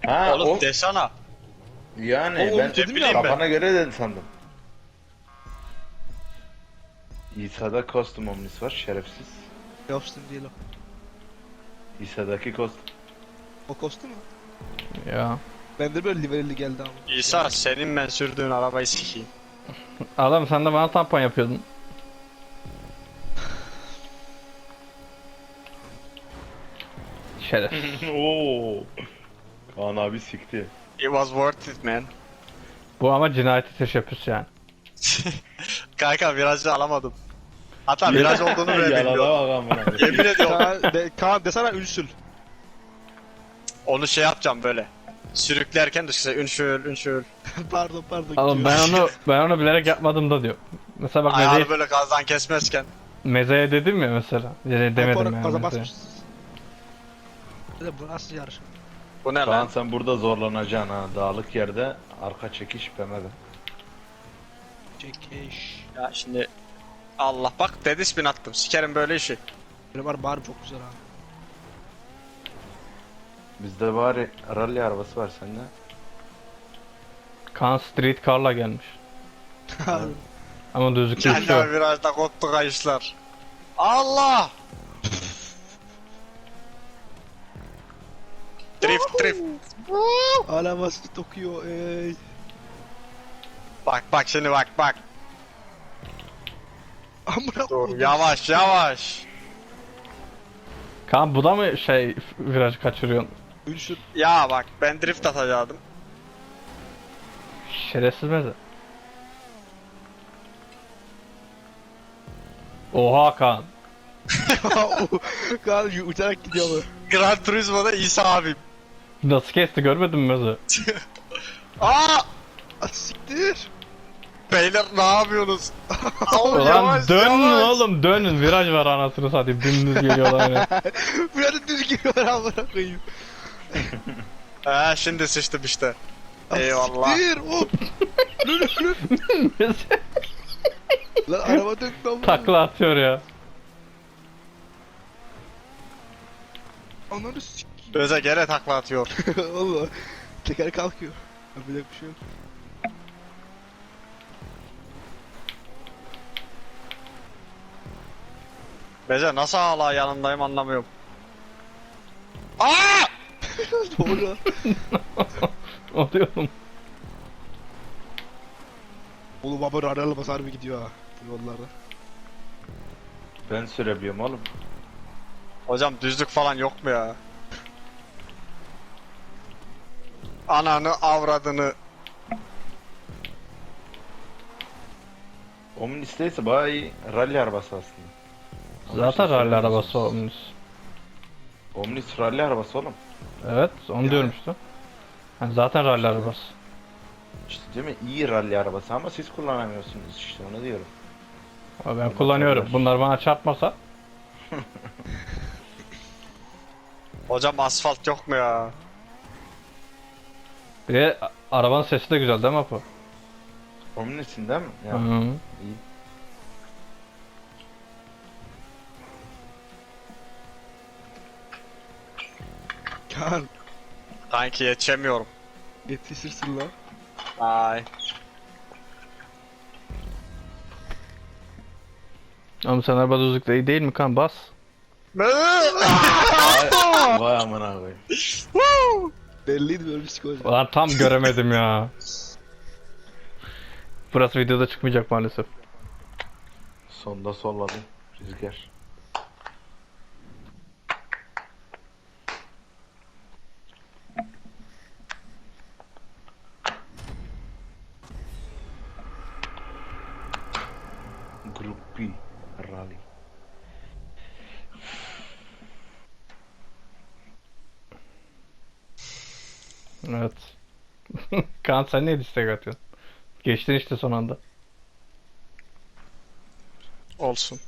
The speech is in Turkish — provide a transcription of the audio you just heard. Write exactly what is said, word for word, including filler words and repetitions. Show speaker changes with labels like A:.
A: Ha
B: Oğlum
A: o
B: desana.
A: yani
C: Oğlum
A: ben
C: dedim
B: ya.
A: kafana göre dedin sandım. İsa'da kostüm omnis var şerefsiz.
C: Yapsın değil o.
A: İsa'daki kostüm.
C: O kostüm mü?
D: Ya.
C: Bende böyle liverli geldi ama.
B: İsa senin ben sürdüğün arabayı sikeyim.
D: Adam sen de bana tampon yapıyordun. Şeref.
A: Oo. Kaan abi sikti.
B: It was worth it man.
D: Bu ama cinayeti teşebbüs yani.
B: Kanka virajı alamadım. Hatta viraj olduğunu bile bilmiyorum.
A: Yalana bak amına.
B: Yemin ediyorum.
C: Kaan, de, Kaan desene ünsül.
B: Onu şey yapacağım böyle. Sürüklerken dışarı ünşül ünşül.
C: pardon pardon.
D: Oğlum ben onu ben onu bilerek yapmadım da diyor. Mesela bak
B: Ayağını
D: mezeye,
B: böyle gazdan kesmezken.
D: mezeye dedim ya mesela. Yani demedim
C: Gaza
D: yani mezeye.
C: basmışsınız. Dedim bu nasıl yarış?
B: Bu ne
A: Kaan
B: lan?
A: sen burada zorlanacaksın ha. Dağlık yerde arka çekiş B M W.
C: Çekiş.
B: Ya şimdi Allah bak dedi spin attım. Sikerim böyle işi.
C: Benim var bağrım çok güzel abi.
A: Bizde bari rally arabası var sende.
D: Kaan Street Car'la gelmiş. Ama düzlükte
B: Kendi
D: uçuyor.
B: virajda koptu kayışlar. Allah! Drift drift.
C: Alaması Tokyo ey.
B: Bak bak şimdi bak bak.
C: Amına
B: Dur
C: koydum.
B: yavaş yavaş.
D: Kaan bu da mı şey viraj kaçırıyorsun?
C: Ünsül.
B: Ya bak ben drift atacaktım.
D: Şerefsiz meze. Oha Kaan.
C: Kaan uçarak gidiyor bu.
B: Gran Turismo'da İsa abim.
D: Nasıl kesti görmedin mi meze?
B: Aa!
C: Ah siktir.
B: Beyler ne yapıyorsunuz? Oğlum,
D: Ulan
B: yavaş,
D: dönün
B: yavaş.
D: oğlum dönün viraj var anasını satayım dümdüz geliyorlar yine.
C: Burada düz geliyor amına koyayım.
B: He şimdi sıçtım işte.
C: Ah,
B: Eyvallah.
C: Siktir hop. Lülü lülü. Lan araba döktü amına.
D: Takla atıyor ya.
C: Ananı sik.
B: Öze gene takla atıyor.
C: Allah. Teker kalkıyor. Yapacak bir şey yok.
B: Bece nasıl hala yanındayım anlamıyorum. Aa!
C: Doğru.
D: Oluyorum.
C: Oğlum baba radarla basar mı gidiyor ha bu yollarda.
A: Ben sürebiliyorum oğlum.
B: Hocam düzlük falan yok mu ya? Ananı avradını.
A: Omnis'teyse bayağı iyi rally arabası aslında. Ama
D: Zaten
A: işte
D: rally arabası
A: söylemiyorsunuz.
D: olmuş.
A: Omnis rally arabası oğlum.
D: Evet onu diyorum işte. Yani zaten rally arabası.
A: İşte değil mi? İyi rally arabası ama siz kullanamıyorsunuz işte onu diyorum.
D: Ama ben kullanıyorum. Bunlar bana çarpmasa.
B: Hocam asfalt yok mu ya?
D: Bir de a- arabanın sesi de güzel değil mi Apo?
A: Omnis'in değil mi? Ya,
D: Hı.
A: iyi.
C: Kaan
B: Kanki yetişemiyorum.
C: yetişirsin lan.
B: Ay.
D: Ama sen araba düzlükte iyi değil mi kan bas.
A: Vay, vay amına koyayım.
C: Belliydi böyle psikoloji.
D: Ulan tam göremedim ya. Burası videoda çıkmayacak maalesef.
A: Sonda solladı rüzgar. Grup B Rally.
D: Evet. Kaan sen niye istek atıyorsun? Geçtin işte son anda.
B: Olsun.